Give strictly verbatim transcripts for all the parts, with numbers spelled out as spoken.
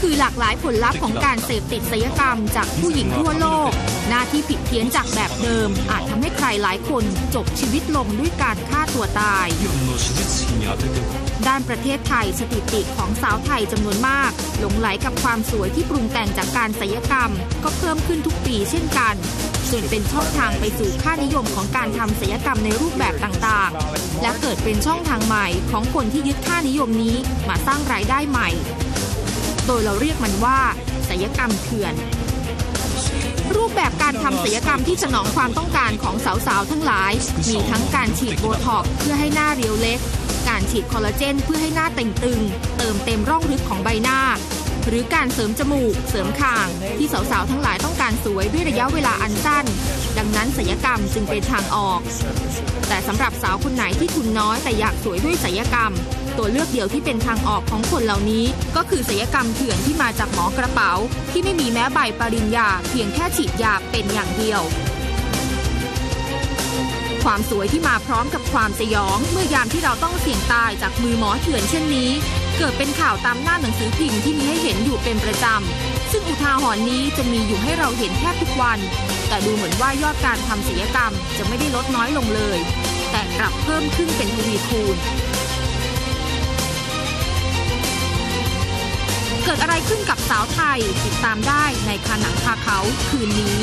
คือหลากหลายผลลัพธ์ของการเสพติดศัลยกรรมจากผู้หญิงทั่วโลกหน้าที่ผิดเพี้ยนจากแบบเดิมอาจทำให้ใครหลายคนจบชีวิตลงด้วยการฆ่าตัวตายด้านประเทศไทยสถิติของสาวไทยจำนวนมากหลงไหลกับความสวยที่ปรุงแต่งจากการศัลยกรรมก็เพิ่มขึ้นทุกปีเช่นกันส่วนเป็นช่องทางไปสู่ค่านิยมของการทำศัลยกรรมในรูปแบบต่างๆและเกิดเป็นช่องทางใหม่ของคนที่ยึดค่านิยมนี้มาสร้างรายได้ใหม่โดยเราเรียกมันว่าศัลยกรรมเถื่อนรูปแบบการทำศัลยกรรมที่สนองความต้องการของสาวๆทั้งหลายมีทั้งการฉีดโบท็อกซ์เพื่อให้หน้าเรียวเล็กการฉีดคอลลาเจนเพื่อให้หน้าเต่งตึงเติมเต็มร่องลึกของใบหน้าหรือการเสริมจมูกเสริมคางที่สาวๆทั้งหลายต้องการสวยด้วยระยะเวลาอันสั้นดังนั้นศัลยกรรมจึงเป็นทางออกแต่สำหรับสาวคนไหนที่ทุนน้อยแต่อยากสวยด้วยศัลยกรรมตัวเลือกเดียวที่เป็นทางออกของคนเหล่านี้ก็คือศัลยกรรมเถื่อนที่มาจากหมอกระเป๋าที่ไม่มีแม้ใบปริญญาเพียงแค่ฉีดยาเป็นอย่างเดียวความสวยที่มาพร้อมกับความสยองเมื่อยามที่เราต้องเสี่ยงตายจากมือหมอเถื่อนเช่นนี้เกิดเป็นข่าวตามหน้าหนังสือพิมพ์ที่มีให้เห็นอยู่เป็นประจำซึ่งอุทาหรณ์นี้จะมีอยู่ให้เราเห็นแทบทุกวันแต่ดูเหมือนว่ายอดการทำศัลยกรรมจะไม่ได้ลดน้อยลงเลยแต่กลับเพิ่มขึ้นเป็นทวีคูณเกิดอะไรขึ้นกับสาวไทยติดตามได้ในคาหนังคาเขาคืนนี้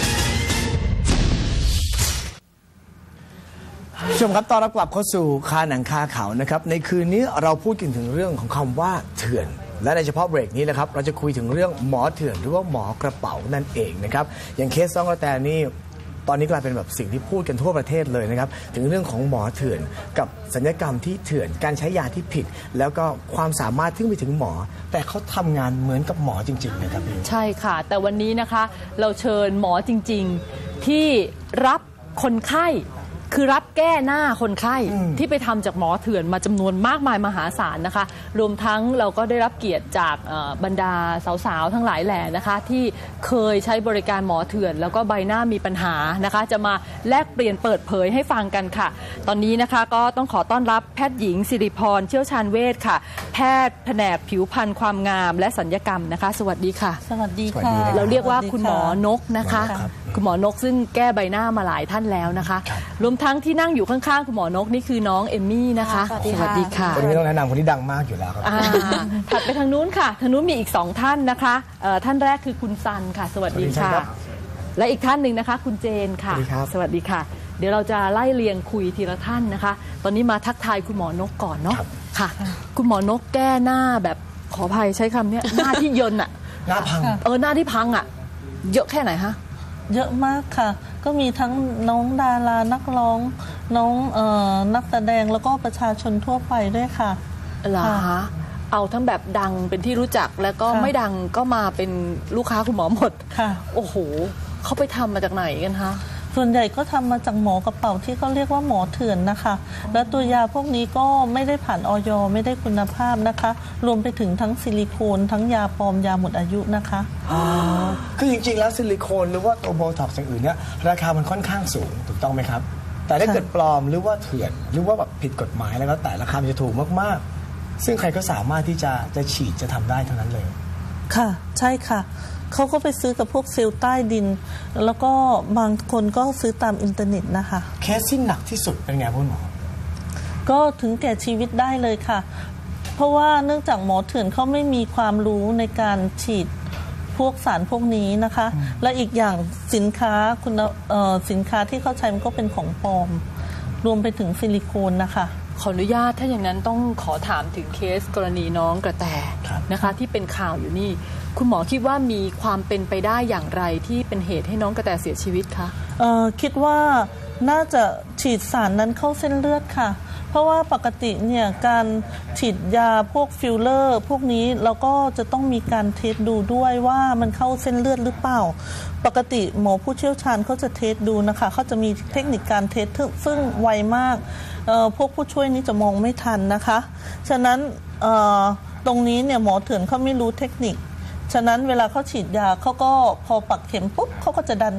ชมครับตอนรับกลับเข้าสู่คาหนังคาเขานะครับในคืนนี้เราพูดกันถึงเรื่องของคำว่าเถื่อนและในเฉพาะเบรกนี้นะครับเราจะคุยถึงเรื่องหมอเถื่อนหรือว่าหมอกระเป๋านั่นเองนะครับอย่างเคสน้องกระแตนี่ตอนนี้กลายเป็นแบบสิ่งที่พูดกันทั่วประเทศเลยนะครับถึงเรื่องของหมอเถื่อนกับศัลยกรรมที่เถื่อนการใช้ยาที่ผิดแล้วก็ความสามารถที่ไปถึงหมอแต่เขาทำงานเหมือนกับหมอจริงๆนะครับใช่ค่ะแต่วันนี้นะคะเราเชิญหมอจริงๆที่รับคนไข้คือรับแก้หน้าคนไข้ที่ไปทำจากหมอเถื่อนมาจำนวนมากมายมหาศาลนะคะรวมทั้งเราก็ได้รับเกียรติจากบรรดาสาวๆทั้งหลายแหล่นะคะที่เคยใช้บริการหมอเถื่อนแล้วก็ใบหน้ามีปัญหานะคะจะมาแลกเปลี่ยนเปิดเผยให้ฟังกันค่ะตอนนี้นะคะก็ต้องขอต้อนรับแพทย์หญิงสิริพรเชี่ยวชาญเวชค่ะแพทย์แผนกผิวพรรณความงามและศัลยกรรมนะคะสวัสดีค่ะสวัสดีค่ะเราเรียกว่าคุณหมอนกนะคะคุณหมอนกซึ่งแก้ใบหน้ามาหลายท่านแล้วนะคะรวมทั้งที่นั่งอยู่ข้างๆคุณหมอนกนี่คือน้องเอมมี่นะคะสวัสดีค่ะคนนี้ต้องแนะนำคนที่ดังมากอยู่แล้วครับถัดไปทางนู้นค่ะทางนู้นมีอีกสองท่านนะคะท่านแรกคือคุณซันค่ะสวัสดีค่ะและอีกท่านหนึ่งนะคะคุณเจนค่ะสวัสดีค่ะเดี๋ยวเราจะไล่เรียงคุยทีละท่านนะคะตอนนี้มาทักทายคุณหมอนกก่อนเนาะค่ะคุณหมอนกแก้หน้าแบบขออภัยใช้คำนี้หน้าที่เยินอะหน้าพังเออหน้าที่พังอะเยอะแค่ไหนคะเยอะมากค่ะก็มีทั้งน้องดารานักร้องน้องเอ่อนักแสดงแล้วก็ประชาชนทั่วไปด้วยค่ะเหรอคะเอาทั้งแบบดังเป็นที่รู้จักแล้วก็ไม่ดังก็มาเป็นลูกค้าคุณหมอหมดค่ะโอ้โหเขาไปทำมาจากไหนกันคะส่วนใหญ่ก็ทำมาจากหมอกระเป๋าที่เขาเรียกว่าหมอเถื่อนนะคะแล้วตัวยาพวกนี้ก็ไม่ได้ผ่านอย.ไม่ได้คุณภาพนะคะรวมไปถึงทั้งซิลิโคนทั้งยาปลอมยาหมดอายุนะคะอ๋อคือจริงๆแล้วซิลิโคนหรือว่าตัวโบท็อกซ์อย่างอื่นเนี่ยราคามันค่อนข้างสูงถูกต้องไหมครับแต่ถ้าเกิดปลอมหรือว่าเถื่อนหรือว่าแบบผิดกฎหมายแล้วแต่ราคามันจะถูกมากๆซึ่งใครก็สามารถที่จะจะฉีดจะทำได้เท่านั้นเลยค่ะใช่ค่ะเขาก็ไปซื้อกับพวกเซลล์ใต้ดินแล้วก็บางคนก็ซื้อตามอินเทอร์เน็ตนะคะเคสที่หนักที่สุดเป็นไงคุณหมอก็ถึงแก่ชีวิตได้เลยค่ะเพราะว่าเนื่องจากหมอเถื่อนเขาไม่มีความรู้ในการฉีดพวกสารพวกนี้นะคะและอีกอย่างสินค้าคุณสินค้าที่เขาใช้มันก็เป็นของปลอมรวมไปถึงซิลิโคนนะคะขออนุญาตถ้าอย่างนั้นต้องขอถามถึงเคสกรณีน้องกระแตนะคะที่เป็นข่าวอยู่นี่คุณหมอคิดว่ามีความเป็นไปได้อย่างไรที่เป็นเหตุให้น้องกระแตเสียชีวิตคะเอ่อคิดว่าน่าจะฉีดสารนั้นเข้าเส้นเลือดค่ะเพราะว่าปกติเนี่ยการฉีดยาพวกฟิลเลอร์พวกนี้เราก็จะต้องมีการเทสดูด้วยว่ามันเข้าเส้นเลือดหรือเปล่าปกติหมอผู้เชี่ยวชาญเขาจะเทสดูนะคะเขาจะมีเทคนิคการเทสซึ่งไวมากพวกผู้ช่วยนี้จะมองไม่ทันนะคะฉะนั้นตรงนี้เนี่ยหมอเถื่อนเขาไม่รู้เทคนิคฉะนั้นเวลาเขาฉีดยาเขาก็พอปักเข็มปุ๊บเขาก็จะดัน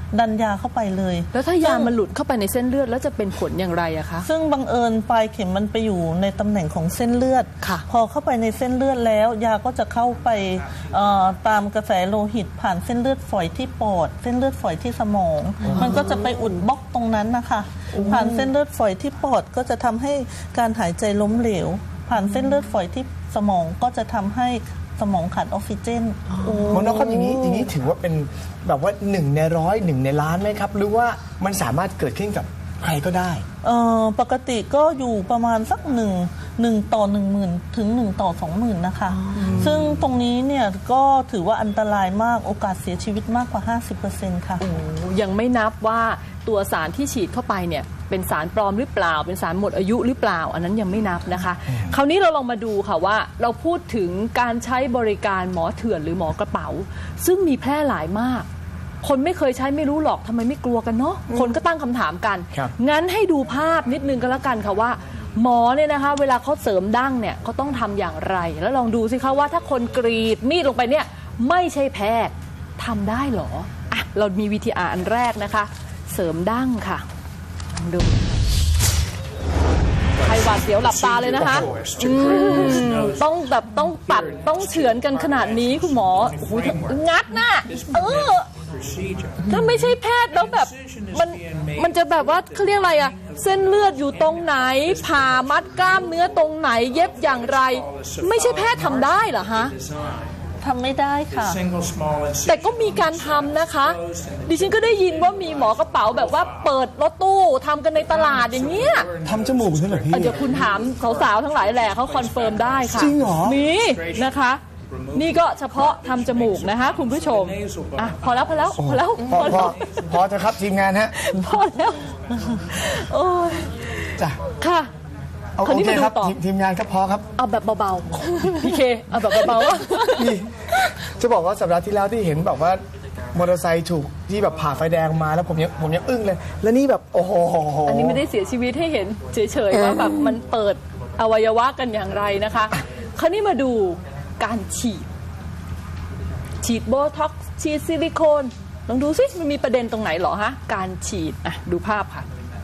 ดันยาเข้าไปเลยแล้วถ้ายามันหลุดเข้าไปในเส้นเลือดแล้วจะเป็นผลอย่างไรอะคะซึ่งบังเอิญปลายเข็มมันไปอยู่ในตำแหน่งของเส้นเลือดค่ะพอเข้าไปในเส้นเลือดแล้วยาก็จะเข้าไปเอ่อตามกระแสโลหิตผ่านเส้นเลือดฝอยที่ปอด เส้นเลือดฝอยที่สมอง มันก็จะไปอุดบล็อกตรงนั้นนะคะผ่านเส้นเลือดฝอยที่ปอดก็จะทำให้การหายใจล้มเหลว ผ่านเส้นเลือดฝอยที่สมองก็จะทำให้สมองขาดออกซิเจนหมอนกครับอย่างนี้อย่างนี้ถือว่าเป็นแบบว่าหนึ่งในร้อยหนึ่งในล้านไหมครับหรือว่ามันสามารถเกิดขึ้นกับใครก็ได้เอ่อปกติก็อยู่ประมาณสักหนึ่งหนึ่งต่อหนึ่งหมื่นถึงหนึ่งต่อสองหมื่นนะคะ ซึ่งตรงนี้เนี่ยก็ถือว่าอันตรายมากโอกาสเสียชีวิตมากกว่า ห้าสิบเปอร์เซ็นต์ ค่ะยังไม่นับว่าตัวสารที่ฉีดเข้าไปเนี่ยเป็นสารปลอมหรือเปล่าเป็นสารหมดอายุหรือเปล่าอันนั้นยังไม่นับนะคะ คราวนี้เราลองมาดูค่ะว่าเราพูดถึงการใช้บริการหมอเถื่อนหรือหมอกระเป๋า ซึ่งมีแพร่หลายมาก คนไม่เคยใช้ไม่รู้หรอกทำไมไม่กลัวกันเนาะคนก็ตั้งคำถามกันครับงั้นให้ดูภาพนิดนึงก็แล้วกันค่ะว่า หมอเนี่ยนะคะเวลาเขาเสริมดั้งเนี่ยเขาต้องทำอย่างไร แล้วลองดูสิคะว่าถ้าคนกรีดมีดลงไปเนี่ยไม่ใช่แพทย์ทำได้เหรออ่ะเรามีวิธีอ่านอันแรกนะคะ เสริมดั้งค่ะลองดูใครหวาดเสียวหลับตาเลยนะคะอืมต้องแบบต้องตัดต้องเฉือนกันขนาดนี้คุณหมอโอ้โหงัดน่ะเออถ้าไม่ใช่แพทย์แล้วแบบมันมันจะแบบว่าเขาเรียกอะไรอะเส้นเลือดอยู่ตรงไหนผ่ามัดกล้ามเนื้อตรงไหนเย็บอย่างไร ไม่ใช่แพทย์ทำได้เหรอฮะทำไม่ได้ค่ะแต่ก็มีการทำนะคะ ดิฉันก็ได้ยินว่ามีหมอกระเป๋าแบบว่าเปิดรถตู้ทำกันในตลาดอย่างเงี้ยทำจมูกใช่ไหมพี่เดี๋ยวคุณถามสาวๆทั้งหลายแหละเขาคอนเฟิร์มได้ค่ะจริงเหรอมีนะคะ นี่ก็เฉพาะทำจมูกนะคะคุณผู้ชมอ่ะพอแล้วพอแล้วพอแล้วพอพอพแล้อวพอจะครับทีมงานฮะพอแล้วโอ้ยจ้ะค่ะเอาคราวโอนี้เคมาดูครับต่อทีมทีมงานครับพอครับเอาแบบเบาๆพี่เคเอาแบบเบาๆนี่จะบอกว่าสัปดาห์ที่แล้วที่เห็นแบบว่ามอเตอร์ไซค์ถูกที่แบบผ่าไฟแดงมาแล้วผมยังผมยังอึ้งเลย แล้วนี่แบบโอ้โหอันนี้ไม่ได้เสียชีวิตให้เห็นเฉยๆว่าแบบมันเปิดอวัยวะกันอย่างไรนะคะ คราวนี้มาดูการฉีด ฉีดโบท็อกซ์ฉีดซิลิโคนลองดูสิมันมีประเด็นตรงไหนเหรอฮะการฉีดอ่ะดูภาพค่ะ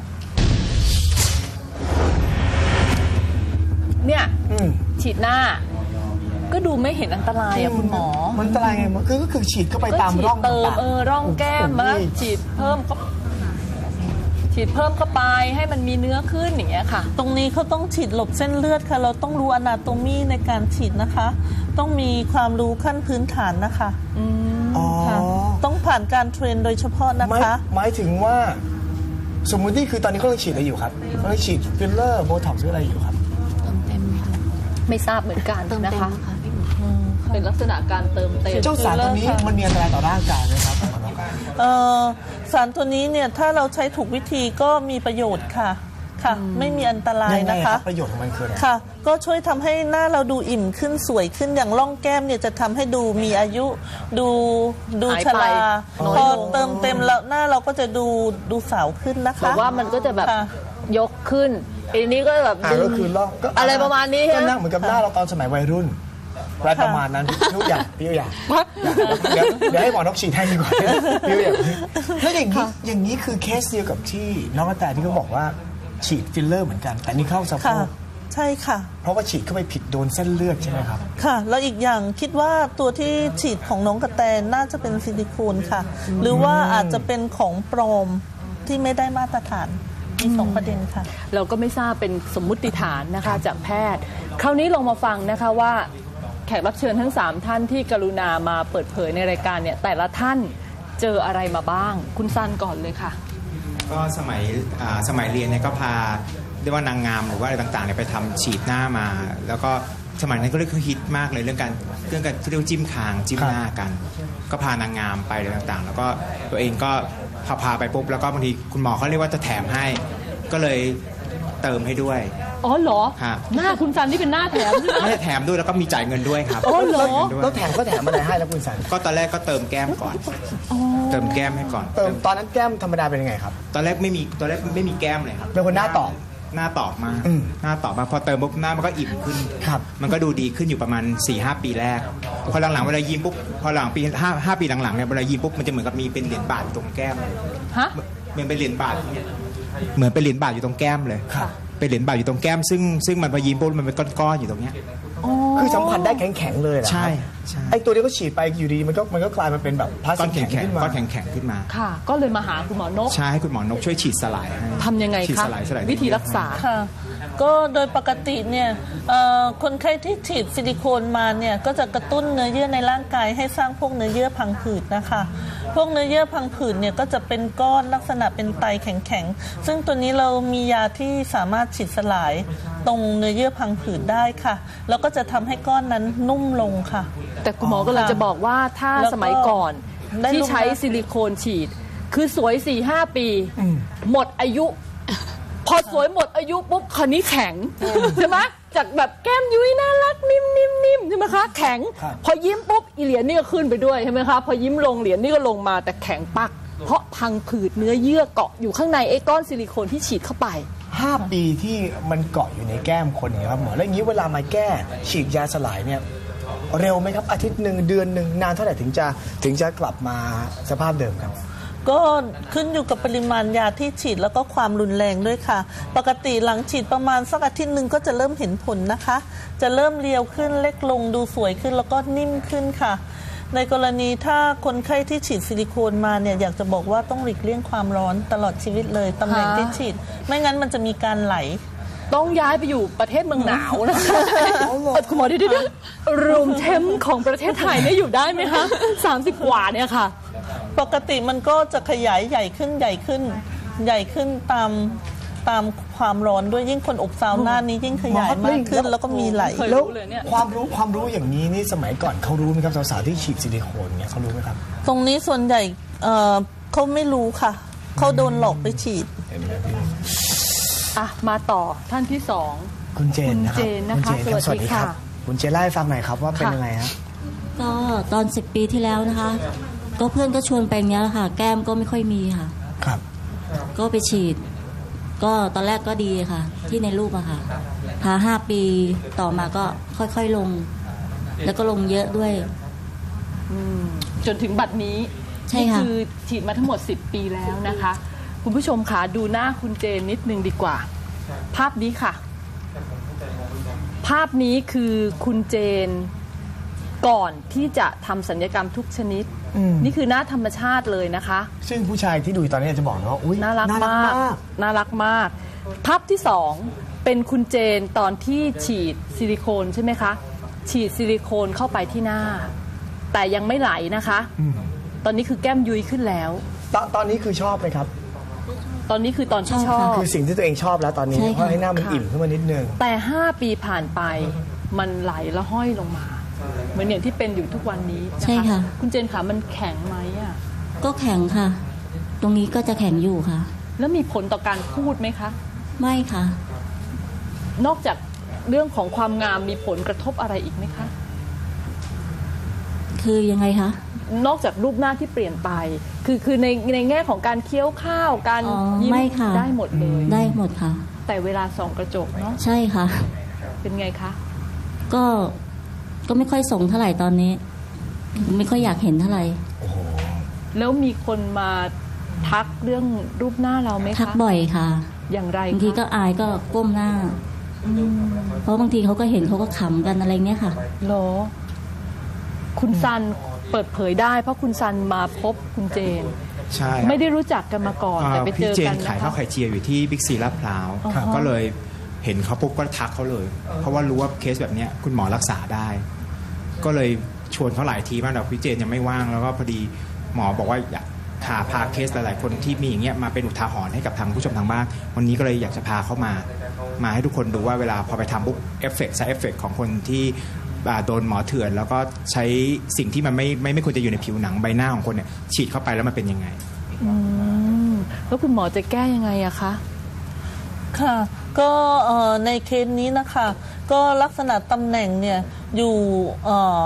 เนี่ยฉีดหน้าก็ดูไม่เห็นอันตรายอะคุณหมอมันอันตรายไงมันคือก็คือฉีดเข้าไปตามร่องเติมต่างๆเออร่องแก้มมาโอ้โหฉีดเพิ่มเข้าฉีดเพิ่มเข้าไปให้มันมีเนื้อขึ้นอย่างเงี้ยค่ะตรงนี้เขาต้องฉีดหลบเส้นเลือดค่ะ เราต้องรู้อนาโตมีในการฉีดนะคะ ต้องมีความรู้ขั้นพื้นฐานนะคะอ๋อค่ะต้องผ่านการเทรนโดยเฉพาะนะหมายคะหมายถึงว่า สมมุติที่คือตอนนี้เขากำลังฉีดอะไรอยู่ครับเขากำลังฉีดฟิลเลอร์โบท็อกซ์หรืออะไรอยู่ครับไม่ทราบเหมือนกันเติมเต็นะมคะค่ะพี่หมอเป็นลักษณะการเติมเต็มเจ้าสารตัวนี้มันมีอันตรายต่อร่างกายไหมครับเอ่อสารตัวนี้เนี่ยถ้าเราใช้ถูกวิธีก็มีประโยชน์ค่ะค่ะ ไม่มีอันตรายยังไงนะครัคะบประโยชน์ของมันคืออะไรค่ะ ก็ช่วยทำให้หน้าเราดูอิ่มขึ้นสวยขึ้นอย่างร่องแก้มเนี่ยจะทำให้ดูมีอายุดูดูหายชไปราน้อยพอลงเติมเต็มแล้วหน้าเราก็จะดูดูสาวขึ้นนะคะแต่ว่ามันก็จะแบบค่ะยกขึ้นอันนี้ก็แบบอ่าดึงก็คือลอกก็อะไรประมาณนี้ก็ฮะนั่งเหมือนกับหน้าเราตอนสมัยวัยรุ่นอะไรประมาณนั้นพี่อยากพี่อยากเดี๋ยวเดี๋ยวให้หมอนกฉีดให้ดีกว่าพี่อยากแล้วอย่างนี้อย่างนี้คือเคสเดียวกับที่น้องกระแตที่เขาบอกว่าฉีดฟิลเลอร์เหมือนกัน แต่นี่เข้าสะโพค่ะกใช่ค่ะเพราะว่าฉีดเข้าไปผิดโดนเส้นเลือดใช่ไหมครับค่ะ แล้วอีกอย่างคิดว่าตัวที่ฉีดของน้องกระแตน่าจะเป็นซิลิโคนค่ะ หรือว่าอาจจะเป็นของปลอมที่ไม่ได้มาตรฐานมีสองประเด็นค่ะเราก็ไม่ทราบเป็นสมมุติฐานนะคะจากแพทย์ คราวนี้ลองมาฟังนะคะว่าแขกรับเชิญทั้งสามท่านที่กรุณามาเปิดเผยในรายการเนี่ยแต่ละท่านเจออะไรมาบ้าง คุณซันก่อนเลยค่ะก็สมัยอ่าสมัยเรียนเนี่ยก็พาเรียกว่านางงามหรือว่าอะไรต่างๆเนี่ยไปทำฉีดหน้ามา แล้วก็สมัยนั้นก็เรียกว่าฮิตมากเลยเรื่องการเรื่องการที่เรียกว่าจิ้มคางจิ้มหน้ากัน ก็พานางงามไปอะไรต่างๆ แล้วก็ตัวเองก็พาพาไปปุ๊บแล้วก็บางทีคุณหมอเขาเรียกว่าจะแถมให้ ก็เลยเติมให้ด้วยอ๋อเหรอครับหน้าคุณซันที่เป็นหน้าแถมใช่ไหมไม่ได้แถมด้วยแล้วก็มีจ่ายเงินด้วยครับอ๋อเหรอจ่ายเงินด้วยแล้วแถมก็แถมอะไรให้แล้วคุณสันก็ตอนแรกก็เติมแก้มก่อนเติมแก้มให้ก่อนเติมตอนนั้นแก้มธรรมดาเป็นยังไงครับตอนแรกไม่มีตอนแรกไม่มีแก้มเลยครับเป็นคนหน้าตอบหน้าตอบมากหน้าตอบมากพอเติมปุ๊บหน้ามันก็อิ่มขึ้นครับมันก็ดูดีขึ้นอยู่ประมาณ สี่ห้า ปีแรกพอหลังๆเวลายิ้มปุ๊บพอหลังปีห้า ห้าปีหลังๆเนี่ยเวลายิ้มปุ๊บมันจะเหมือนกับมีเป็นเหรียญบาทอยู่ตรงแก้มฮะเหมือนเป็นเหรียญบาทเหมือนเป็นเหรียญบาทอยู่ตรงแก้มเลยครับเป็นเหรียญบาทอยู่ตรงแก้มซึ่งซึ่งมันพอยิ้มปุ๊บมันเป็นก้อนๆอยู่ตรงเนี้ยคือสัมผัสได้แข็งๆเลยเหรอครับใช่ใช่ไอตัวนี้ก็ฉีดไปอยู่ดีมันก็มันก็กลายมาเป็นแบบพลาสก้อตินกแข็แข็งงๆขึ้นมาก้อนแข็งๆขึ้นมาค่ะ ก็เลยมาหาคุณหมอนกใช่ให้คุณหมอนกช่วยฉีดสลายให้ทำยังไงฉีดคะสลายสลายวิธีรักษาค่ะก็โดยปกติเนี่ยเอ่อคนไข้ที่ฉีดซิลิโคนมาเนี่ยก็จะกระตุ้นเนื้อเยื่อในร่างกายให้สร้างพวกเนื้อเยื่อพังผืดนะคะพวกเนื้อเยื่อพังผืดเนี่ยก็จะเป็นก้อนลักษณะเป็นไตแข็งๆซึ่งตัวนี้เรามียาที่สามารถฉีดสลายตรงเนื้อเยื่อพังผืดได้ค่ะแล้วก็จะทำให้ก้อนนั้นนุ่มลงค่ะแต่คุณหมอก็เลยจะบอกว่าถ้าแล้วก็สมัยก่อนได้ที่รูปใช้หน้าซิลิโคนฉีด คือสวย สี่ห้า ปี หมดอายุ พอสวยหมดอายุปุ๊บคราวนี้แข็งใช่ไหมจากแบบแก้มยุ้ยน่ารักนิ่มนิ่มนิ่มใช่ไหมคะแข็ง พอยิ้มปุ๊บอีเหรียญนี่ก็ขึ้นไปด้วยใช่ไหมคะพอยิ้มลงเหรียญนี่ก็ลงมาแต่แข็งปัก เพราะพังผืดเนื้อเยื่อเกาะอยู่ข้างในไอ้ก้อนซิลิโคนที่ฉีดเข้าไปห้าปีที่มันเกาะอยู่ในแก้มคนเนี่ยครับหมอแล้วอย่างนี้เวลามาแก้ฉีดยาสลายเนี่ยเร็วไหมครับอาทิตย์หนึ่งเดือนหนึ่งนานเท่าไหร่ถึงจะถึงจะกลับมาสภาพเดิมครับก็ขึ้นอยู่กับปริมาณยาที่ฉีดแล้วก็ความรุนแรงด้วยค่ะ ปกติหลังฉีดประมาณสักอาทิตย์หนึ่งก็จะเริ่มเห็นผลนะคะ จะเริ่มเรียวขึ้นเล็กลงดูสวยขึ้นแล้วก็นิ่มขึ้นค่ะ ในกรณีถ้าคนไข้ที่ฉีดซิลิโคนมาเนี่ยอยากจะบอกว่าต้องหลีกเลี่ยงความร้อนตลอดชีวิตเลยตำแหน่งที่ฉีด ไม่งั้นมันจะมีการไหลต้องย้ายไปอยู่ประเทศเมืองหนาวนะคะเอ่อคุณหมอเดี๋ยวๆรูมเทมของประเทศไทยเนี่ยอยู่ได้ไหมคะสามสิบกว่าเนี่ยค่ะปกติมันก็จะขยายใหญ่ขึ้นใหญ่ขึ้น ใหญ่ขึ้นตามตามความร้อนด้วยยิ่งคนอบซาวน่านี้ยิ่งขยายมากขึ้นแล้วก็มีไหลเคยแล้วรู้เลยเนี่ยความรู้ความรู้อย่างนี้นี่สมัยก่อนเขารู้ไหมครับสาวๆที่ฉีดซิลิโคนเนี่ยเขารู้ไหมครับตรงนี้ส่วนใหญ่เอ่อเขาไม่รู้ค่ะเขาโดนหลอกไปฉีดเห็นไหมพี่อ่ะมาต่อท่านที่สองคุณเจนนะครับคุณเจนนะคะณเจรับสวัสดีค่ะคุณเจนเล่าให้ฟังหน่อยครับว่าเป็นค่ะยังไงฮะก็ตอนสิบปีที่แล้วนะคะ ก็เพื่อนก็ชวนไปอย่างเงี้ยแหละค่ะ แก้มก็ไม่ค่อยมีค่ะครับก็ไปฉีด ก็ตอนแรกก็ดีค่ะ ที่ในรูปอะค่ะพาห้าปีต่อมาก็ค่อยๆลง แล้วก็ลงเยอะด้วยจนถึงบัดนี้ใช่นี่ค่ะคือฉีดมาทั้งหมดสิบปีแล้วนะคะ คุณผู้ชมคะดูหน้าคุณเจนนิดนึงดีกว่า ภาพนี้ค่ะ ภาพนี้คือคุณเจนก่อนที่จะทำศัลยกรรมทุกชนิดอืมนี่คือหน้าธรรมชาติเลยนะคะซึ่งผู้ชายที่ดูอยู่ตอนนี้จะบอกนะว่าอุ้ยน่ารักมาก น่ารักมาก ภาพที่สองเป็นคุณเจนตอนที่ฉีดซิลิโคนใช่ไหมคะ ฉีดซิลิโคนเข้าไปที่หน้า แต่ยังไม่ไหลนะคะอืมตอนนี้คือแก้มยุ้ยขึ้นแล้วตอนตอนนี้คือชอบไหมครับตอนนี้คือตอนที่ชชออบบคือสิ่งที่ตัวเองชอบแล้วตอนนี้ใช่ค่ะเพราะให้หน้ามันค่ะอิ่มขึ้นมานิดนึงแต่ห้าปีผ่านไปมันไหลแล้วห้อยลงมา เหมือนอย่างที่เป็นอยู่ทุกวันนี้นใช่ค่ะคุณเจนขามันแข็งไหมอ่ะก็แข็งค่ะ ตรงนี้ก็จะแข็งอยู่ค่ะแล้วมีผลต่อการพูดไหมคะไม่ค่ะนอกจากเรื่องของความงามมีผลกระทบอะไรอีกไหมคะคือยังไงคะนอกจากรูปหน้าที่เปลี่ยนไป คือคือในในแง่ของการเคี้ยวข้าว การอ๋อยิ้มไม่ค่ะได้หมดเลยได้หมดค่ะแต่เวลาส่องกระจกเนาะใช่ค่ะเป็นไงคะก็ก็ไม่ค่อยส่งเท่าไหร่ตอนนี้ ไม่ค่อยอยากเห็นเท่าไหร่แล้วมีคนมาทักเรื่องรูปหน้าเราไหมคะทักบ่อยค่ะอย่างไรบางทีคะก็อายก็ก้มหน้า เพราะบางทีเขาก็เห็นเขาก็ขำกันอะไรเงี้ยค่ะเหรอ คุณซันเปิดเผยได้ เพราะคุณซันมาพบคุณเจนใช่ครับไม่ได้รู้จักกันมาก่อนอ่าแต่ไปเจพี่อเจกันนนะขายข้าคะวไข่เจียวอยู่ที่บิ๊กซีลาดพร้าวครับก็เลยเห็นเขาปุ๊บก็ทักเขาเลย เพราะว่ารู้ว่าเคสแบบเนี้ยคุณหมอรักษาได้ ก็เลยชวนเขาหลายทีมากแต่พี่เจนยังไม่ว่างแล้วก็พอดีหมอบอกว่าอยากพาพาเคสหลายๆคนที่มีอย่างเงี้ยมาเป็นอุทาหรณ์ให้กับทางผู้ชมทางบ้านวันนี้ก็เลยอยากจะพาเขามา มาให้ทุกคนดูว่าเวลาพอไปทำปุ๊บเอฟเฟกต์ไซเอฟเฟกต์ของคนที่อ่าโดนหมอเถื่อน แล้วก็ใช้สิ่งที่มันไม่ไม่ไม่ควรจะอยู่ในผิวหนังใบหน้าของคนเนี่ยฉีดเข้าไปแล้วมันเป็นยังไงอืมแล้วคุณหมอจะแก้ยังไงอะคะค่ะก็เอ่อในเคสนี้นะคะ ก็ลักษณะตำแหน่งเนี่ยอยู่เอ่อ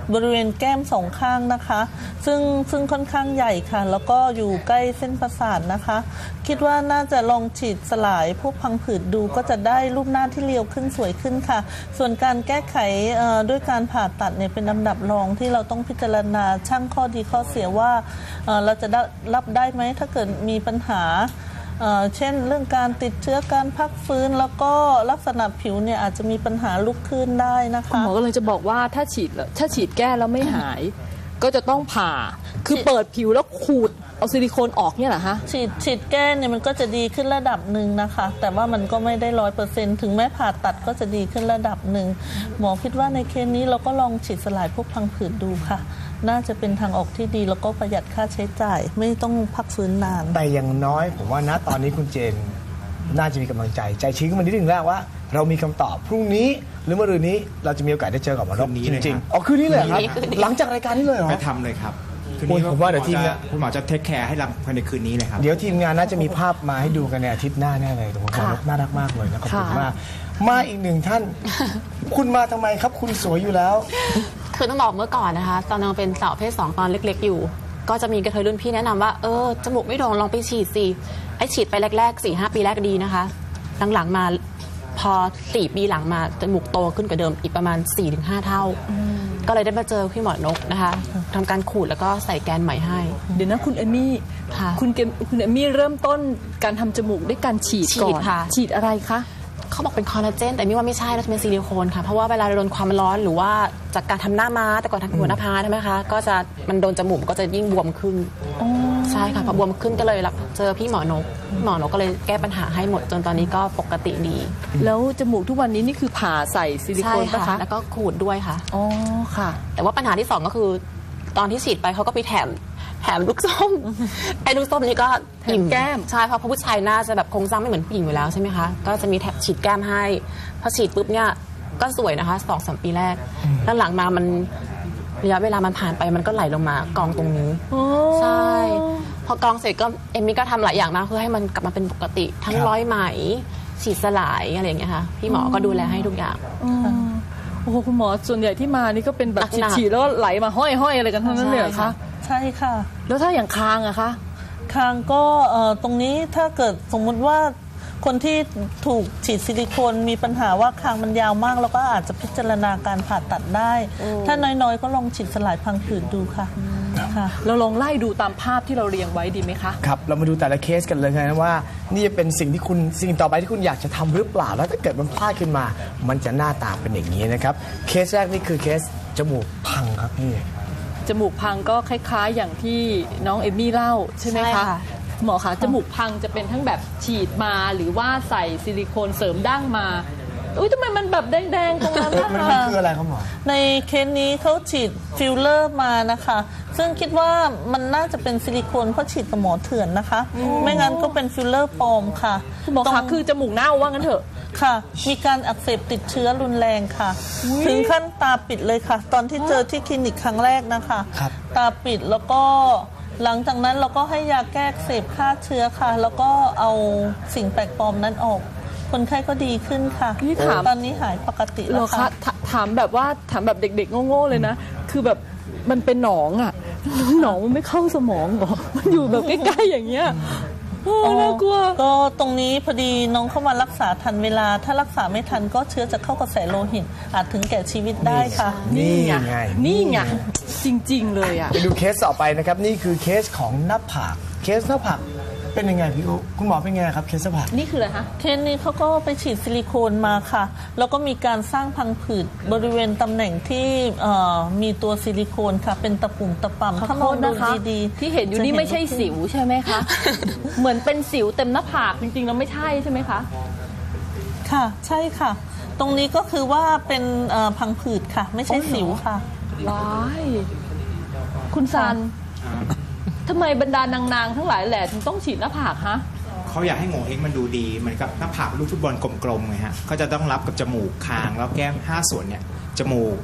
บริเวณแก้มสองข้างนะคะซึ่งซึ่งค่อนข้างใหญ่ค่ะแล้วก็อยู่ใกล้เส้นประสาทนะคะคิดว่าน่าจะลองฉีดสลายพวกพังผืดดูก็จะได้รูปหน้าที่เรียวขึ้นสวยขึ้นค่ะส่วนการแก้ไขด้วยการผ่าตัดเนี่ยเป็นลำดับรองที่เราต้องพิจารณาชั่งข้อดีข้อเสียว่าเราจะรับได้ไหมถ้าเกิดมีปัญหาเช่นเรื่องการติดเชื้อการพักฟื้นแล้วก็ลักษณะผิวเนี่ยอาจจะมีปัญหาลุกขึ้นได้นะคะคุณหมอก็เลยจะบอกว่าถ้าฉีดถ้าฉีดแก้แล้วไม่หาย ก็จะต้องผ่าคือเปิดผิวแล้วขูดเอาซิลิโคนออกเนี่ยเหรอฮะฉีดฉีดแก้เนี่ยมันก็จะดีขึ้นระดับหนึ่งนะคะแต่ว่ามันก็ไม่ได้ร้อยเปอร์เซ็นต์ถึงแม้ผ่าตัดก็จะดีขึ้นระดับหนึ่งหมอคิดว่าในเคสนี้เราก็ลองฉีดสลายพวกพังผืดดูค่ะน่าจะเป็นทางออกที่ดีแล้วก็ประหยัดค่าใช้จ่ายไม่ต้องพักฟื้นนานแต่อย่างน้อยผมว่าณตอนนี้คุณเจนน่าจะมีกำลังใจใจชื้นขึ้นมานิดนึงแล้วว่าเรามีคำตอบพรุ่งนี้หรือมะรืนนี้เราจะมีโอกาสได้เจอกับหมอนกจริงๆอ๋อคืนนี้เลยครับหลังจากรายการนี้เลยเหรอไปทำเลยครับคืนนี้ผมว่าเดี๋ยวทีมคุณหมอจะเทคแคร์ให้รับภายในคืนนี้เลยครับเดี๋ยวทีมงานน่าจะมีภาพมาให้ดูกันในอาทิตย์หน้าแน่เลยตรงนี้น่ารักมากเลยนะขอบคุณมากมาอีกหนึ่งท่านคุณมาทำไมครับคุณสวยอยู่แล้วคือต้องบอกเมื่อก่อนนะคะตอนนั้นเป็นสาวเพศสองตอนเล็กๆอยู่ก็จะมีกระเทยรุ่นพี่แนะนำว่าเออจมูกไม่โด่งลองไปฉีดสิไอฉีดไปแรกๆสี่ห้าปีแรกดีนะคะหลังๆมาพอสี่ปีหลังมาจมูกโตขึ้นกว่าเดิมอีกประมาณ สี่ถึงห้า เท่าก็เลยได้มาเจอพี่หมอนกนะคะทำการขูดแล้วก็ใส่แกนใหม่ให้เดี๋ยวนะคุณเอมี่คุณเกมคุณเอมี่เริ่มต้นการทำจมูกด้วยการฉีดก่อนฉีดอะไรคะเขาบอกเป็นคอลลาเจนแต่ไม่ว่าไม่ใช่แล้วจะเป็นซิลิโคนค่ะเพราะว่าเวลาโดนความร้อนหรือว่าจากการทำหน้าม้าแต่ก่อนทำหัวหน้าผาใช่ไหมคะก็จะมันโดนจมูกก็จะยิ่งบวมขึ้นใช่ค่ะพอบวมขึ้นก็เลยเจอพี่หมอนกหมอนกก็เลยแก้ปัญหาให้หมดจนตอนนี้ก็ปกติดีแล้วจมูกทุกวันนี้นี่คือผ่าใส่ซิลิโคนป่ะคะแล้วก็ขูดด้วยค่ะอ๋อค่ะแต่ว่าปัญหาที่สองก็คือตอนที่ฉีดไปเขาก็ไปแถมแถมลูกส้มไอ้ลูกส้มนี่ก็อิ่มแก้มใช่เพราะผู้ชายน่าจะแบบโครงสร้างไม่เหมือนผู้หญิงอยู่แล้วใช่ไหมคะก็จะมีแถมฉีดแก้มให้พอฉีดปุ๊บเนี่ยก็สวยนะคะสองสามปีแรกแล้วหลังมามันระยะเวลามันผ่านไปมันก็ไหลลงมากองตรงนี้ใช่พอกองเสร็จก็เอมมี่ก็ทำหลายอย่างมากเพื่อให้มันกลับมาเป็นปกติทั้งร้อยไหมฉีดสลายอะไรอย่างเงี้ยค่ะพี่หมอก็ดูแลให้ทุกอย่างโอ้โหคุณหมอส่วนใหญ่ที่มานี่ก็เป็นแบบฉีดๆแล้วไหลมาห้อยๆอะไรกันทั้งนั้นเลยคะใช่ค่ะแล้วถ้าอย่างคางอะคะคางก็ตรงนี้ถ้าเกิดสมมุติว่าคนที่ถูกฉีดซิลิโคนมีปัญหาว่าคางมันยาวมากแล้วก็อาจจะพิจารณาการผ่าตัดได้ถ้าน้อยๆก็ลองฉีดสลายพังผืดดูค่ะค่ะเราลองไล่ดูตามภาพที่เราเรียงไว้ดีไหมคะครับเรามาดูแต่ละเคสกันเลยนะว่านี่จะเป็นสิ่งที่คุณสิ่งต่อไปที่คุณอยากจะทำหรือเปล่าแล้วถ้าเกิดมันพลาดขึ้นมามันจะหน้าตาเป็นอย่างนี้นะครับเคสแรกนี่คือเคสจมูกพังครับนี่จมูกพังก็คล้ายๆอย่างที่น้องเอมี่เล่าใช่ไหมคะหมอคะจมูกพังจะเป็นทั้งแบบฉีดมาหรือว่าใส่ซิลิโคนเสริมดั้งมาอุ้ยทำไมมันแบบแดงๆตรงนั้นนะคะมันคืออะไรครับหมอในเคสนี้เขาฉีดฟิลเลอร์มานะคะซึ่งคิดว่ามันน่าจะเป็นซิลิโคนเพราะฉีดกับหมอเถื่อนนะคะไม่งั้นก็เป็นฟิลเลอร์ปลอมค่ะหมอคะคือจมูกเน่าว่างั้นเถอะค่ะมีการอักเสบติดเชื้อรุนแรงค่ะถึงขั้นตาปิดเลยค่ะตอนที่เจอที่คลินิกครั้งแรกนะคะตาปิดแล้วก็หลังจากนั้นเราก็ให้ยาแก้อักเสบฆ่าเชื้อค่ะแล้วก็เอาสิ่งแปลกปลอมนั้นออกคนไข้ก็ดีขึ้นค่ะตอนนี้หายปกติแล้วค่ะถามแบบว่าถามแบบเด็กๆโง่ๆเลยนะคือแบบมันเป็นหนองอ่ะหนองมันไม่เข้าสมองหรอมันอยู่แบบใกล้ๆอย่างเงี้ยน่ากลัวก็ตรงนี้พอดีน้องเข้ามารักษาทันเวลาถ้ารักษาไม่ทันก็เชื้อจะเข้ากระแสโลหิตอาจถึงแก่ชีวิตได้ค่ะนี่ไงนี่ไงจริงๆเลยอ่ะไปดูเคสต่อไปนะครับนี่คือเคสของหน้าผากเคสหน้าผากเป็นยังไงพี่อุ๊คุณหมอเป็นไงครับเคสหน้าผากนี่คืออะไรคะเคสนี้เขาก็ไปฉีดซิลิโคนมาค่ะแล้วก็มีการสร้างพังผืดบริเวณตำแหน่งที่มีตัวซิลิโคนค่ะเป็นตะปุ่มตะป่ำถ้ามองดูดีๆที่เห็นอยู่นี่ไม่ใช่สิวใช่ไหมคะเหมือนเป็นสิวเต็มหน้าผากจริงๆแล้วไม่ใช่ใช่ไหมคะค่ะใช่ค่ะตรงนี้ก็คือว่าเป็นพังผืดค่ะไม่ใช่สิวค่ะว้ายคุณซันทำไมบรรดานางๆทั้งหลายแหละถึงต้องฉีดหน้าผากฮะเขาอยากให้โงเห้งมันดูดีเหมือนกับหน้าผากลูกฟุตบอลกลมๆไงฮะเขาจะต้องรับกับจมูกคางแล้วแก้มห้าส่วนเนี่ยจมูก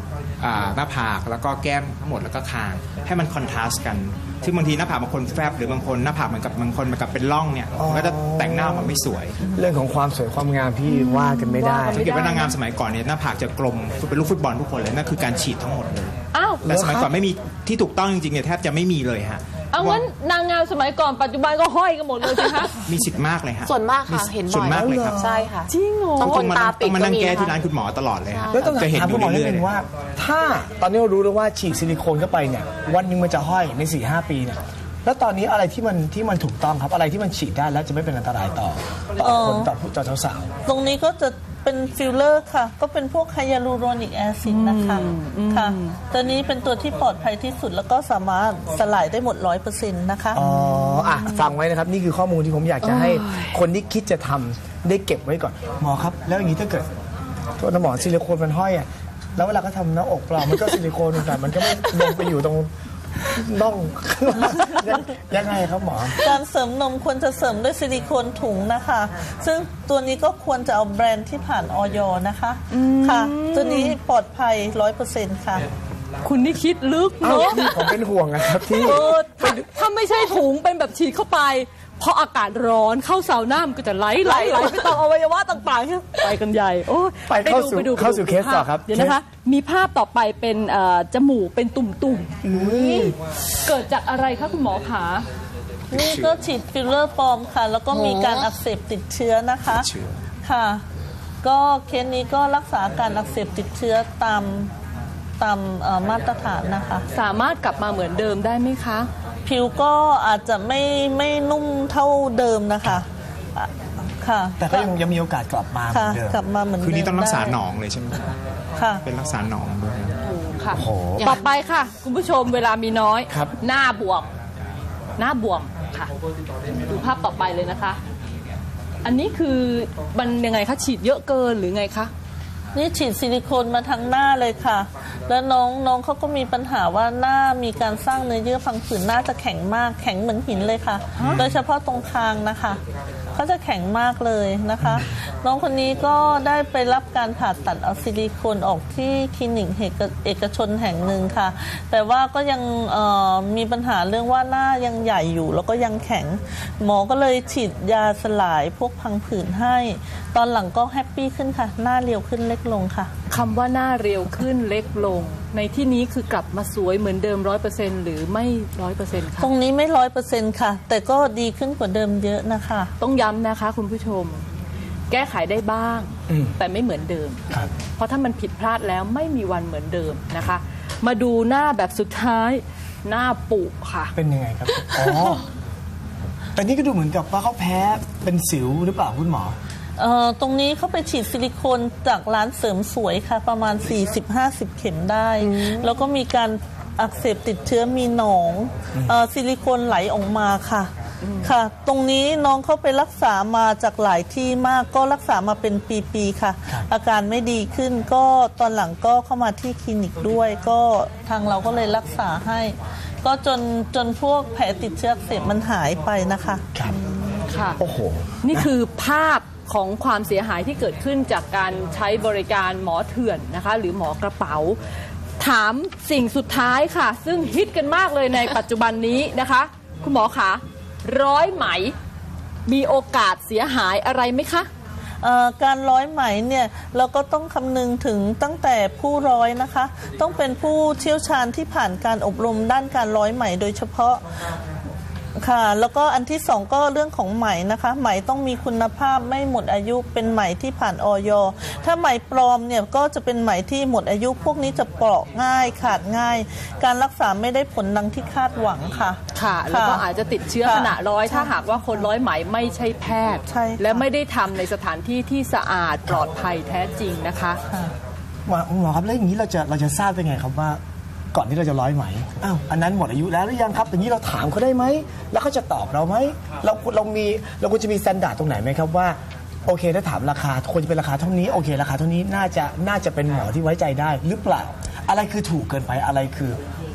อ่าหน้าผากแล้วก็แก้มทั้งหมดแล้วก็คางให้มันคอนทราสต์กันซึ่งบางทีหน้าผากบางคนแฟบหรือบางคนหน้าผากเหมือนกับบางคนเหมือนกับเป็นร่องเนี่ยมันก็จะแต่งหน้ามันไม่สวยเรื่องของความสวยความงามพี่ว่ากันไม่ได้สังเกตว่านางงามสมัยก่อนเนี่ยหน้าผากจะกลมเป็นลูกฟุตบอลทุกคนเลยนั่นคือการฉีดทั้งหมดเลยอ้าวแต่สมัยก่อนไม่มีที่ถูกต้องจริงๆเนี่ยแทบจะไม่มีเลยฮะเอางั้นนางงามสมัยก่อนปัจจุบันก็ห้อยกันหมดเลยสิคะมีสิทธิ์มากเลยฮะส่วนมากค่ะเห็นบ่อยส่วนมากเลยครับใช่ค่ะจริงเหรอบางคนตาปิดต้องมาก็นั่งมีแก้นะที่ร้านคะคุณหมอตลอดเลยฮะแล้วต้องจะเห็นถามอคุยู่ณหมอนิดเรื่อยนึงว่า ถ้าตอนนี้เรารู้แล้วว่าฉีดซิลิโคนเข้าไปเนี่ยวันหนึงมันจะห้อยใน สี่ห้า ปีเนี่ยแล้วตอนนี้อะไรที่มันที่มันถูกต้องครับอะไรที่มันฉีดได้แล้วจะไม่เป็นอันตรายต่อต่อคนต่อผู้ต่อสาวตรงนี้ก็จะเป็นฟิลเลอร์ค่ะ ก็เป็นพวกไฮยาลูโรนิกแอซิดนะคะค่ะตัวนี้เป็นตัวที่ปลอดภัยที่สุดแล้วก็สามารถสลายได้หมดร้อยเปอร์เซ็นต์นะคะอ๋ออ่ะฟังไว้นะครับนี่คือข้อมูลที่ผมอยากจะให้คนที่คิดจะทำได้เก็บไว้ก่อนหมอครับแล้วอย่างนี้ถ้าเกิดตัวน้ำหมอซิลิโคนมันห้อยอ่ะแล้วเวลาก็ทำหน้าอกเปล่ามันก็ซิลิโคนแต่มันก็ไม่ลงไปอยู่ตรงน่อง ยังไงครับหมอการเสริมนมควรจะเสริมด้วยซิลิโคนถุงนะคะ ซึ่งตัวนี้ก็ควรจะเอาแบรนด์ที่ผ่านออยนะคะค่ะ ตัวนี้ปลอดภัยร้อยเปอร์เซ็นต์ค่ะคุณนี่คิดลึกเอ้าเนาะพี่ผมเป็นห่วงนะครับที่เออถ้าถ้าไม่ใช่ถุงเป็นแบบฉีดเข้าไปพออากาศร้อนเข้าซาวน่ามันก็จะไหลไหลไหลไปตามอวัยวะต่างๆไปกันใหญ่โอ้ยไปเข้าสู่ดูเข้าสู่เคสต่อครับเดี๋ยวนะคะ มีภาพต่อไปเป็นเอ่อจมูกเป็นตุ่มๆเกิดจากอะไรคะคุณหมอขานี่ก็ฉีดฟิลเลอร์ปลอมค่ะ แล้วก็มีการอักเสบติดเชื้อนะคะค่ะ ก็เคสนี้ก็รักษาการอักเสบติดเชื้อตามตามเอ่อมาตรฐานนะคะสามารถกลับมาเหมือนเดิมได้ไหมคะผิวก็อาจจะไม่ไม่นุ่มเท่าเดิมนะคะอ่ะค่ะแต่ก็ยังยังมีโอกาสกลับมาเหมืค่ะอนเดิมกลับมาเหมือนเดิมคือนี่ต้องรักษาได้หนองเลยใช่ไหมค่ะเป็นรักษาหนองด้วยค่ะโอ้โหต่อไปค่ะ คุณผู้ชมเวลามีน้อยครับหน้าบวมหน้าบวมค่ะ ดูภาพต่อไปเลยนะคะ อันนี้คือมันยังไงคะฉีดเยอะเกินหรือไงคะนี่ฉีดซิลิโคนมาทั้งหน้าเลยค่ะ แล้วน้องน้องเขาก็มีปัญหาว่าหน้ามีการสร้างเนื้อเยื่อพังผืดหน้าจะแข็งมากแข็งเหมือนหินเลยค่ะ โดยเฉพาะตรงคางนะคะเขาจะแข็งมากเลยนะคะ น้องคนนี้ก็ได้ไปรับการผ่าตัดเอาซิลิโคนออกที่คลินิกเอกชนแห่งหนึ่งค่ะ แต่ว่าก็ยังเอ่อมีปัญหาเรื่องว่าหน้ายังใหญ่อยู่ แล้วก็ยังแข็งหมอก็เลยฉีดยาสลายพวกพังผืดให้ ตอนหลังก็แฮปปี้ขึ้นค่ะ หน้าเรียวขึ้นเล็กลงค่ะคำว่าหน้าเรียวขึ้นเล็กลง ในที่นี้คือกลับมาสวยเหมือนเดิมร้อยเปอร์เซ็นต์หรือไม่ร้อยเปอร์เซ็นต์คะตรงนี้ไม่ร้อยเปอร์เซ็นต์ค่ะ แต่ก็ดีขึ้นกว่าเดิมเยอะนะคะต้องย้ำนะคะคุณผู้ชม แก้ไขได้บ้าง แต่ไม่เหมือนเดิมครับเพราะถ้ามันผิดพลาดแล้วไม่มีวันเหมือนเดิมนะคะ มาดูหน้าแบบสุดท้ายหน้าปุค่ะเป็นยังไงครับอ๋อแต่นี่ก็ดูเหมือนกับว่าเขาแพ้เป็นสิวหรือเปล่าคุณหมอเอ่อตรงนี้เขาไปฉีดซิลิโคนจากร้านเสริมสวยค่ะ ประมาณ สี่สิบห้าสิบ เข็มได้ แล้วก็มีการอักเสบติดเชื้อมีหนองเอ่อซิลิโคนไหลออกมาค่ะค่ะ ตรงนี้น้องเขาไปรักษามาจากหลายที่มากก็รักษามาเป็นปีๆค่ะ อาการไม่ดีขึ้นก็ตอนหลังก็เข้ามาที่คลินิกด้วย ก็ทางเราก็เลยรักษาให้ ก็จนจนพวกแผลติดเชื้ออักเสบมันหายไปนะคะครับค่ะโอ้โหนี่คือภาพของความเสียหายที่เกิดขึ้นจากการใช้บริการหมอเถื่อนนะคะ หรือหมอกระเป๋า ถามสิ่งสุดท้ายค่ะ ซึ่งฮิตกันมากเลยในปัจจุบันนี้นะคะ คุณหมอคะร้อยไหมมีโอกาสเสียหายอะไรไหมคะเอ่อการร้อยไหมเนี่ยเราก็ต้องคำนึงถึงตั้งแต่ผู้ร้อยนะคะ ต้องเป็นผู้เชี่ยวชาญที่ผ่านการอบรมด้านการร้อยไหมโดยเฉพาะค่ะแล้วก็อันที่สองก็เรื่องของไหมนะคะไหมต้องมีคุณภาพไม่หมดอายุเป็นไหมที่ผ่านออย ถ้าไหมปลอมเนี่ยก็จะเป็นไหมที่หมดอายุพวกนี้จะเปราะง่ายขาดง่าย การรักษาไม่ได้ผลดังที่คาดหวังค่ะค่ะ แล้วก็อาจจะติดเชื้อค่ะขณะร้อยถ้าหากว่าคนร้อยไหมไม่ใช่แพทย์ใช่ค่ะและไม่ได้ทำในสถานที่ที่สะอาดปลอดภัยแท้จริงนะคะหมอหมอครับแล้วอย่างนี้เราจะเราจะทราบได้ไงครับว่าก่อนที่เราจะร้อยไหมอ้าวอันนั้นหมดอายุแล้วหรือยังครับอย่างนี้เราถามเขาได้ไหมแล้วเขาจะตอบเราไหมเราเรามีเราควรจะมีสแตนดาร์ดตรงไหนไหมครับว่าโอเคถ้าถามราคาควรจะเป็นราคาเท่านี้โอเคราคาเท่านี้น่าจะน่าจะเป็นหมอที่ไว้ใจได้หรือเปล่า อะไรคือถูกเกินไปอะไรคือ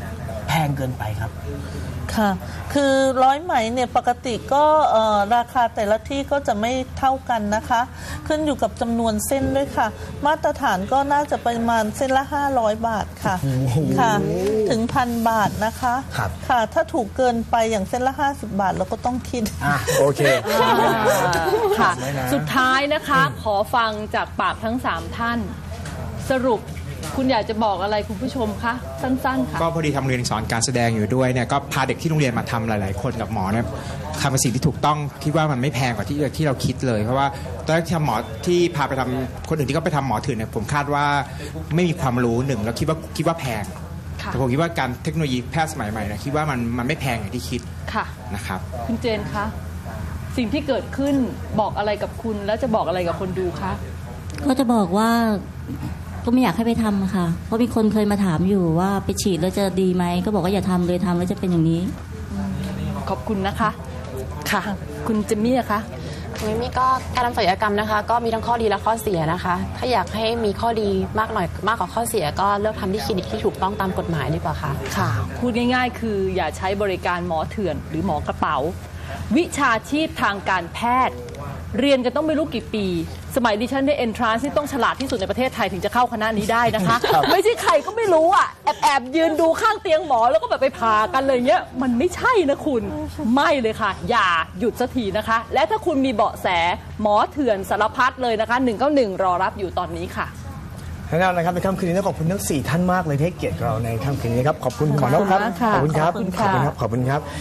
แพงเกินไปครับค่ะ คือร้อยไหมเนี่ยปกติก็เอ่อราคาแต่ละที่ก็จะไม่เท่ากันนะคะ ขึ้นอยู่กับจำนวนเส้นด้วยค่ะ มาตรฐานก็น่าจะประมาณเส้นละห้าร้อยบาทค่ะ ค่ะ ถึงพันบาทนะคะครับค่ะ ถ้าถูกเกินไปอย่างเส้นละห้าสิบบาทเราก็ต้องคิดอ่ะโอเคค่ะไม่นะสุดท้ายนะคะ ขอฟังจากปากทั้งสามท่าน สรุปคุณอยากจะบอกอะไรคุณผู้ชมคะสั้นๆค่ะก็พอดีทำเรียนสอนการแสดงอยู่ด้วยเนี่ยก็พาเด็กที่โรงเรียนมาทำหลาย ๆ คนกับหมอเนี่ยทำเป็นสิ่งที่ถูกต้องคิดว่ามันไม่แพงกว่าที่ที่เราคิดเลยเพราะว่าตอนแรกที่ทำหมอที่พาไปทำคนอื่นที่ก็ไปทำหมอเถื่อนเนี่ยผมคาดว่าไม่มีความรู้หนึ่งแล้วคิดว่าคิดว่าแพงค่ะแต่ผมคิดว่าการเทคโนโลยีแพทย์สมัยใหม่นะคิดว่ามันมันไม่แพงอย่างที่คิดค่ะนะครับคุณเจนคะสิ่งที่เกิดขึ้นบอกอะไรกับคุณแล้วจะบอกอะไรกับคนดูคะก็จะบอกว่าก็ไม่อยากให้ไปทำค่ะ เพราะมีคนเคยมาถามอยู่ว่าไปฉีดแล้วจะดีไหมก็บอกว่าอย่าทำเลยทำแล้วจะเป็นอย่างนี้ขอบคุณนะคะ ค่ะ คุณเจมี่อะคะมิมี่ก็การทำศัลยกรรมนะคะ ก็มีทั้งข้อดีและข้อเสียนะคะ ถ้าอยากให้มีข้อดีมากหน่อยมากกว่าข้อเสีย ก็เลือกทำที่คลินิกที่ถูกต้องตามกฎหมายดีกว่าค่ะค่ะ พูดง่ายๆ คืออย่าใช้บริการหมอเถื่อนหรือหมอกระเป๋า วิชาชีพทางการแพทย์ เรียนกันต้องไม่รู้กี่ปี สมัยดิฉันได้เอนทรานซ์ที่ต้องฉลาดที่สุดในประเทศไทยถึงจะเข้าคณะนี้ได้นะคะ ไม่ใช่ใครก็ไม่รู้อ่ะแอบแอบยืนดูข้างเตียงหมอแล้วก็แบบไปพากันเลยเงี้ยมันไม่ใช่นะคุณไม่เลยค่ะ อย่าหยุดสักทีนะคะ และถ้าคุณมีเบาะแสหมอเถื่อนสารพัดเลยนะคะหนึ่งเก้าหนึ่งรอรับอยู่ตอนนี้ค่ะทั้งนั้นนะครับในค่ำคืนนี้ต้องขอบคุณทั้งสี่ท่านมากเลยที่ให้เกียรติเราในค่ำคืนนี้ครับขอบคุณหมอนกครับขอบคุณมากค่ะขอบคุณครับขอบคุณค่ะขอบคุณครับขอบคุณครับ